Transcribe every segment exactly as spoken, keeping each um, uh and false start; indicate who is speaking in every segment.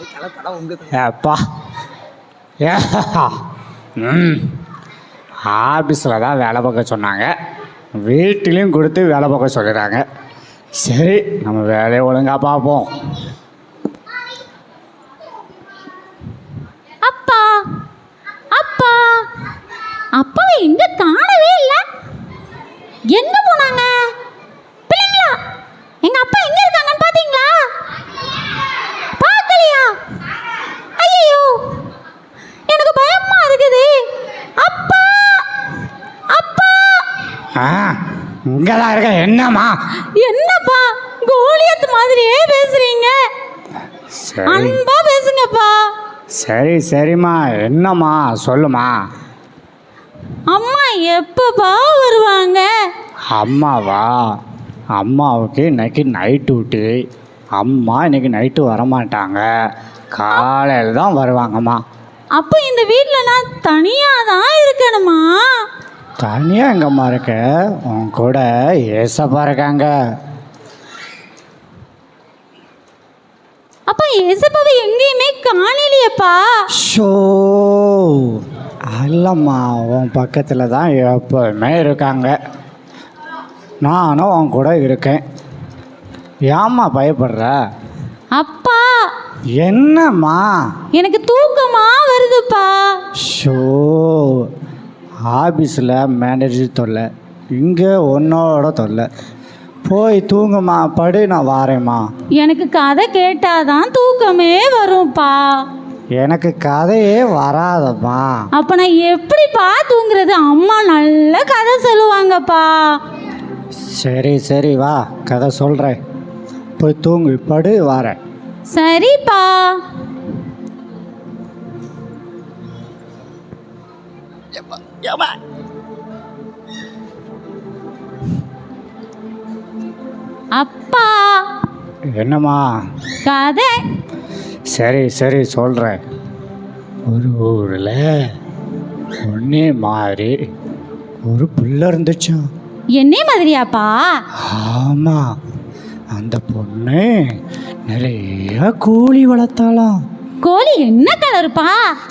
Speaker 1: அப்பா ம் ஆஃபீஸில் தான் வேலை பார்க்க சொன்னாங்க, வீட்டிலையும் கொடுத்து வேலை பார்க்க சொல்லிடுறாங்க. சரி, நம்ம வேலையை ஒழுங்காக பார்ப்போம்.
Speaker 2: அப்பா அப்பா அப்பா எங்க காணவே இல்லை. எங்க போனாங்க பிள்ளைங்களா? எங்க அப்பா எங்க இருக்காங்கன்னு பாத்தீங்களா? பார்க்கலையா? ஐயோ, எனக்கு பயமா இருக்குது. அப்பா அப்பா
Speaker 1: ஆ இங்கதான் இருக்க. என்னம்மா?
Speaker 2: என்னப்பா கோலியத் மாதிரியே பேசுறீங்க? அன்பா பேசுங்கப்பா.
Speaker 1: சரி சரிம்மா, என்னம்மா சொல்லுமா.
Speaker 2: அம்மா எப்பப்பா வருவாங்க?
Speaker 1: அம்மாவா? அம்மாவுக்கு இன்னைக்கு நைட் டியூட்டி. அம்மா இன்னைக்கு நைட்டு வரமாட்டாங்க, காலையில் தான் வருவாங்கம்மா.
Speaker 2: அப்போ இந்த வீட்டில் நான் தனியாக தான் இருக்கணுமா?
Speaker 1: தனியாக எங்கம்மா இருக்க? உன் கூட ஏசப்பா இருக்காங்க.
Speaker 2: அப்போ ஏசப்பாவை எங்கேயுமே காணலையேப்பா.
Speaker 1: ஷோ அல்லம்மா, உன் பக்கத்தில் தான் எப்போவுமே இருக்காங்க. நானும் உன் கூட இருக்கேன். ஏம்மா பயப்படுற?
Speaker 2: அப்பா
Speaker 1: என்னம்மா?
Speaker 2: எனக்கு தூக்கமா வருதுப்பா.
Speaker 1: ஷோ ஆஃபீஸில் மேனேஜர் தொல்லை, இங்கே உன்னோட தொல்லை. போய் தூங்குமா, படு, நான் வாரேம்மா.
Speaker 2: எனக்கு கதை கேட்டாதான் தூக்கமே வரும்ப்பா.
Speaker 1: எனக்கு கதையே வராதம்மா.
Speaker 2: அப்போ நான் எப்படிப்பா தூங்குறது? அம்மா நல்ல கதை சொல்லுவாங்கப்பா.
Speaker 1: சரி சரி வா, கதை சொல்கிறேன். போய் தூங்கு, படு, வாரேன்.
Speaker 2: சரிப்பா. அப்பா
Speaker 1: என்னம்மா?
Speaker 2: கதை.
Speaker 1: சரி சரி சொல்கிறேன். ஒரு ஊரில் ஒன்னே மாதிரி ஒரு புள்ள இருந்துச்சான்.
Speaker 2: என்ன மாதிரியாப்பா?
Speaker 1: ஆமாம், அந்த பொண்ணு நிறைய கோழி வளர்த்தாலாம்.
Speaker 2: கோழி என்ன கலருப்பா?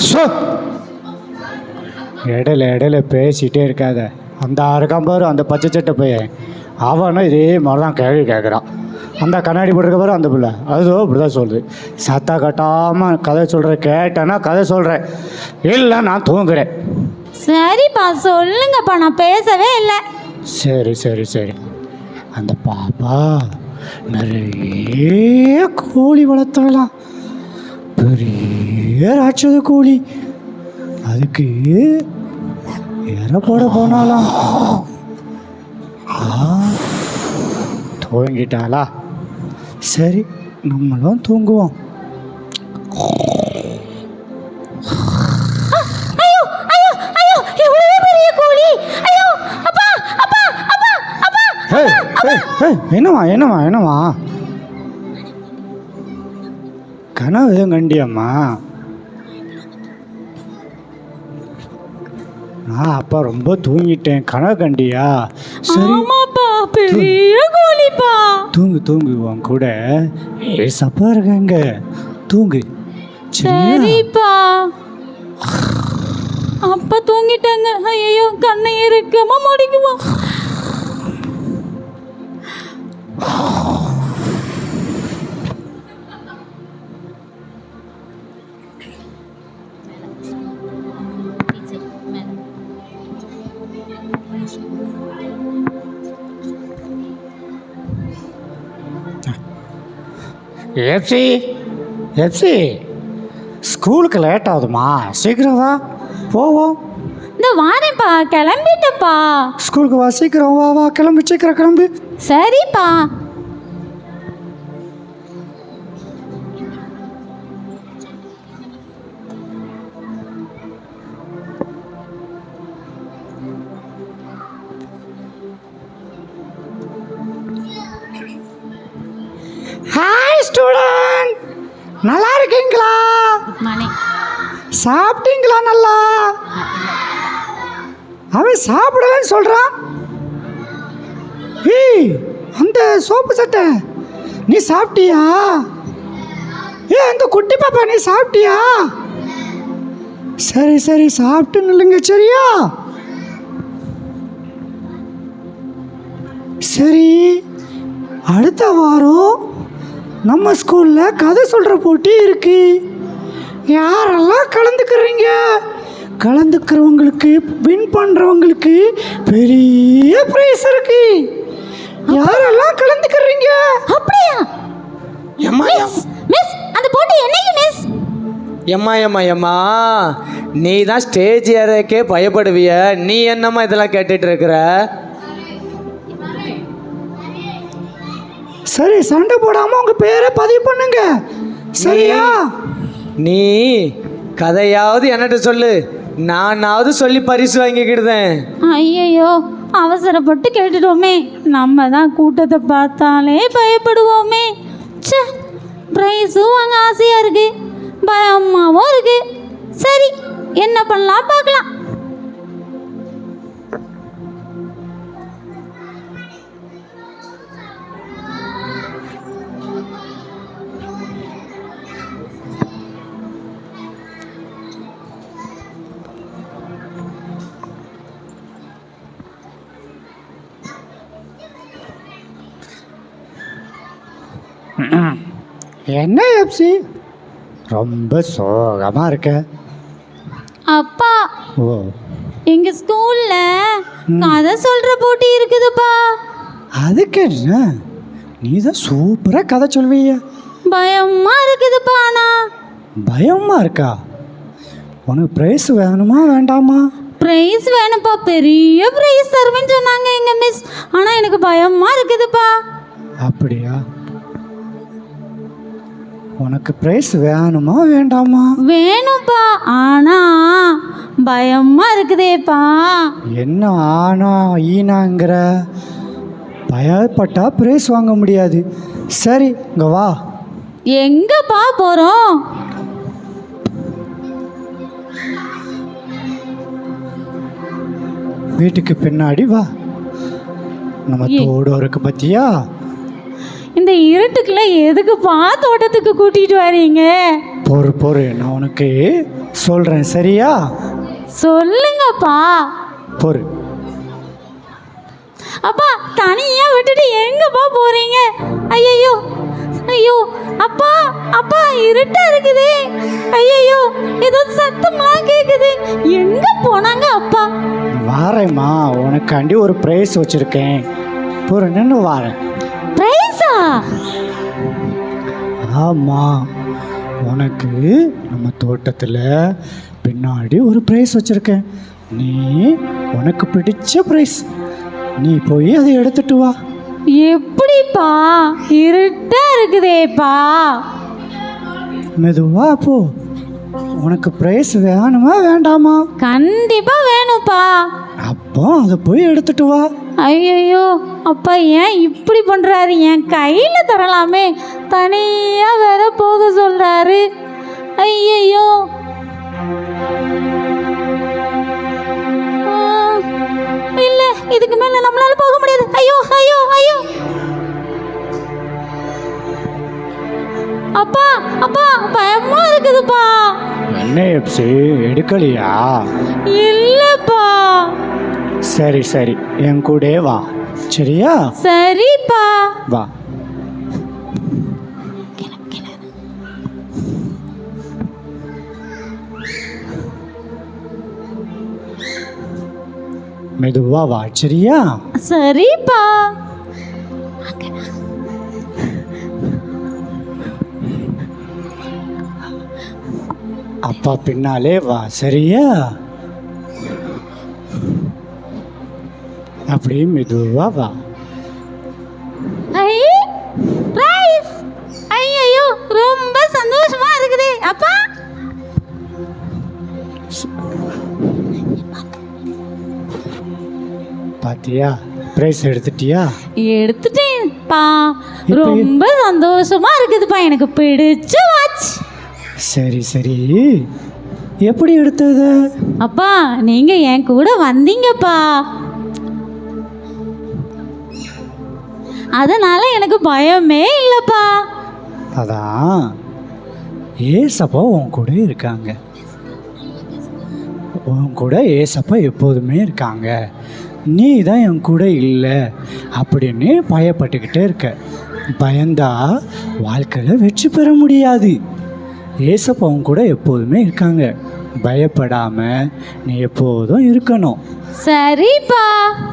Speaker 1: இடையில இடையில பேசிகிட்டே இருக்காத. அந்த இருக்கான் பாரு, அந்த பச்சை சட்டை பையன், அவனும் இதே மாதிரி தான் கேள்வி கேட்குறான். அந்த கண்ணாடி போட்டிருக்க பாரு, அந்த பிள்ளை, அதுவும் இப்படி தான் சொல்லுது. சத்தா கட்டாமல் கதை சொல்கிறேன், கேட்டேன்னா கதை சொல்கிறேன், இல்லை நான் தூங்குறேன்.
Speaker 2: சரிப்பா சொல்லுங்கப்பா, நான் பேசவே இல்லை.
Speaker 1: சரி சரி சரி. அந்த பாப்பா நிறைய கோழி வளர்த்தலாம், பெரிய ராட்சத கோழி. அதுக்கு இற போட போனாலாம். தூங்கிட்டாளா? சரி, நம்மளும் தூங்குவோம். என்னவா என்னவா என்னவா கனவு எதுவும் கண்டியம்மா? நான் அப்பா ரொம்ப தூங்கிட்டேன், கனவு கண்டியா? சரி
Speaker 2: பெரிய கோழிப்பா.
Speaker 1: தூங்கு தூங்கு, உன் கூட ஏசப்பா இருக்காங்க, தூங்கு.
Speaker 2: சரிப்பா. அப்பா தூங்கிட்டாங்க. ஐயோ, கண்ணை இறுக்கமா முடிக்குவோம்.
Speaker 1: எப்சி எப்சி, ஸ்கூலுக்கு லேட் ஆகுதுமா, சீக்கிரம் வா, போவோம்.
Speaker 2: இந்த வாரேன்ப்பா, கிளம்பிட்டப்பா.
Speaker 1: ஸ்கூலுக்கு வா, சீக்கிரம் வா வா, கிளம்பு, சீக்கிரம் கிளம்பு.
Speaker 2: சரிப்பா.
Speaker 1: ஹாய் ஸ்டூடெண்ட், நல்லா இருக்கீங்களா? சாப்பிட்டீங்களா? நல்லா. அவன் சாப்பிடலன்னு சொல்கிறான். ஏய், அந்த சோப்பு சட்டை, நீ சாப்பிட்டியா? ஏ அந்த குட்டி பாப்பா நீ சாப்பிட்டியா? சரி சரி சாப்பிட்டு நில்லுங்க சரியா? சரி, அடுத்த வாரம் நம்ம ஸ்கூலில் கதை சொல்கிற போட்டி இருக்கு. யாரெல்லாம் கலந்துக்கிறீங்க? கலந்துக்கிறவங்களுக்கு வின் பண்ணுறவங்களுக்கு பெரிய ப்ரைஸ் இருக்கு. யாரெல்லாம் கலந்துக்கிறீங்க?
Speaker 2: அப்படியா?
Speaker 3: எம்மா
Speaker 2: மிஸ், அந்த போட்டி என்னைக்கு மிஸ்?
Speaker 3: எம்மா எம்மா எம்மா நீ தான் ஸ்டேஜ் ஏறக்கே பயப்படுவிய, நீ என்னம்மா இதெல்லாம் கேட்டுட்டு இருக்கிற?
Speaker 1: சரி, சண்டை போடாமல் உங்கள் பேரை பதிவு பண்ணுங்க சரியா?
Speaker 3: நீ கதையாவது என்னட்ட சொல்லு, நானாவது சொல்லி பரிசு வாங்கிக்கிடுதேன்.
Speaker 2: ஐயையோ, அவசரப்பட்டு கேட்டுட்டோமே. நம்ம தான் கூட்டத்தை பார்த்தாலே பயப்படுவோமே. ச்சே, ப்ரைஸும் வாங்க ஆசையாக இருக்கு, பயமாகவும் இருக்கு. சரி, என்ன பண்ணலாம் பார்க்கலாம்.
Speaker 1: என்ன எப்சி ரொம்ப சோகமாக இருக்க?
Speaker 2: அப்பா,
Speaker 1: ஓ,
Speaker 2: எங்கள் ஸ்கூலில் கதை சொல்கிற போட்டி இருக்குதுப்பா.
Speaker 1: அதுக்கு என்ன, நீ தான் சூப்பராக கதை சொல்வீங்க.
Speaker 2: பயமாக இருக்குதுப்பா. ஆனால்
Speaker 1: பயமாக இருக்கா? உனக்கு ப்ரைஸ் வேணுமா வேண்டாமா?
Speaker 2: ப்ரைஸ் வேணும்ப்பா, பெரிய ப்ரைஸ் தருவேன்னு சொன்னாங்க எங்கள் மிஸ். ஆனால் எனக்கு பயமாக இருக்குதுப்பா.
Speaker 1: அப்படியா? உனக்கு ப்ரைஸ் வேணுமா வேண்டாமா?
Speaker 2: வேணும்ப்பா, ஆனால் பயமாக இருக்குதேப்பா.
Speaker 1: என்ன ஆனா ஈனாங்கிற? பயப்பட்டா ப்ரைஸ் வாங்க முடியாது. சரி, இங்கே வா.
Speaker 2: எங்கப்பா போகிறோம்?
Speaker 1: வீட்டுக்கு பின்னாடி வா. நம்ம தோடு இருக்கு பத்தியா?
Speaker 2: இந்த இருட்டுக்குள்ள எதுக்குப்பா தோட்டத்துக்கு கூட்டிட்டு வரீங்க?
Speaker 1: பொறு பொறு, நான் உனக்கு சொல்கிறேன் சரியா?
Speaker 2: சொல்லுங்கப்பா.
Speaker 1: பொறு.
Speaker 2: அப்பா, தனியா விட்டுட்டு எங்கப்பா போறீங்க? ஐயோ ஐயோ, அப்பா அப்பா, இருட்டா இருக்குதே. ஐயோ, ஏதோ சத்தம்லாம் கேக்குது. எங்க போனாங்க அப்பா?
Speaker 1: வாரேம்மா, உனக்காண்டி ஒரு ப்ரைஸ் வச்சுருக்கேன். பொறு, நின்று வாரேன்.
Speaker 2: ப்ரைஸா?
Speaker 1: ஆமாம், உனக்கு நம்ம தோட்டத்தில் பின்னாடி ஒரு ப்ரைஸ் வச்சுருக்கேன். நீ உனக்கு பிடிச்ச ப்ரைஸ், நீ போய் அதை எடுத்துட்டு வா.
Speaker 2: எப்படிப்பா? இருட்டா இருக்குதேப்பா.
Speaker 1: மெதுவா போ. உனக்கு ப்ரைஸ் வேணுமா வேண்டாமா?
Speaker 2: கண்டிப்பா வேணும்ப்பா.
Speaker 1: அப்போ அதை போய் எடுத்துட்டு வா.
Speaker 2: ஐயோ, அப்பா ஏன் இப்படி பண்ணுறாரு? என் கையில் தரலாமே, தனியாக வேற போக சொல்கிறாரு. ஐயோ, இல்லை, இதுக்கு மேலே நம்மளால போக முடியாது. ஐயோ ஐயோ ஐயோ, அப்பா அப்பா, பயமா இருக்குதுப்பா.
Speaker 1: என்ன எப்சி, எடுக்கலையா?
Speaker 2: இல்லைப்பா.
Speaker 1: சரி சரி, என் கூட வா சரியா?
Speaker 2: சரிப்பா.
Speaker 1: வா. மெதுவா வா சரியா?
Speaker 2: சரிப்பா.
Speaker 1: அப்பா பின்னாலே வா சரியா? அப்படியே மெதுவா வா.
Speaker 2: ஐ, ரைஸ். ஐயோ, ரொம்ப சந்தோஷமா இருக்குது அப்பா.
Speaker 1: பாத்தியா, பிரைஸ் எடுத்துட்டியா?
Speaker 2: எடுத்துட்டேன்ப்பா. ரொம்ப சந்தோஷமா இருக்குதுப்பா, எனக்கு பிடிச்ச வாட்ச்.
Speaker 1: சரி சரி, எப்படி எடுத்தது?
Speaker 2: அப்பா, நீங்க என் கூட வந்தீங்கப்பா, அதனால எனக்கு பயமே இல்லைப்பா.
Speaker 1: அதான் ஏசப்பா உன் கூட இருக்காங்க. உன் கூட ஏசப்பா எப்போதுமே இருக்காங்க. நீ தான் என் கூட இல்லை அப்படின்னு பயப்பட்டுக்கிட்டே இருக்க. பயந்தா வாழ்க்கையில் வெற்றி பெற முடியாது. ஏசப்பா உன் கூட எப்போதுமே இருக்காங்க. பயப்படாமல் நீ எப்போதும் இருக்கணும்.
Speaker 2: சரிப்பா.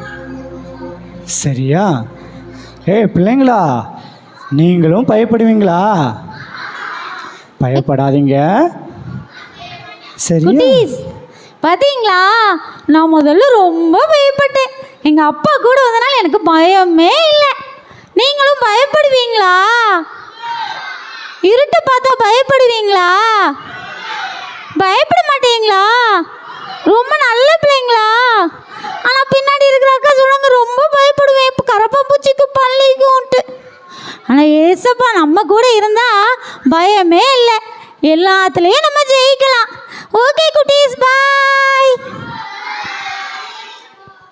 Speaker 1: சரியா? ஏய் பிள்ளைங்களா, நீங்களும் பயப்படுவீங்களா? பயப்படாதீங்க. சரியா?
Speaker 2: குட்டீஸ், பாத்தீங்களா, நான் முதல்ல ரொம்ப பயப்பட்டேன். எங்க அப்பா கூட வந்தனால எனக்கு பயமே இல்லை. நீங்களும் பயப்படுவீங்களா? இருட்டை பார்த்தா பயப்படுவீங்களா? பயப்பட மாட்டீங்களா? ரொம்ப நல்ல பிள்ளைங்களா? ஆனா பின்னாடி இருக்கிற அக்கா சொல்லுங்க ரொம்ப பயப்படுவேன், இப்போ கரப்பாம்பூச்சிக்கு பள்ளிக்கும்ட்டு. ஆனா ஏசப்பா நம்ம கூட இருந்தா பயமே இல்லை. எல்லாத்துலேயும் நம்ம ஜெயிக்கலாம். ஓகே குட்டி.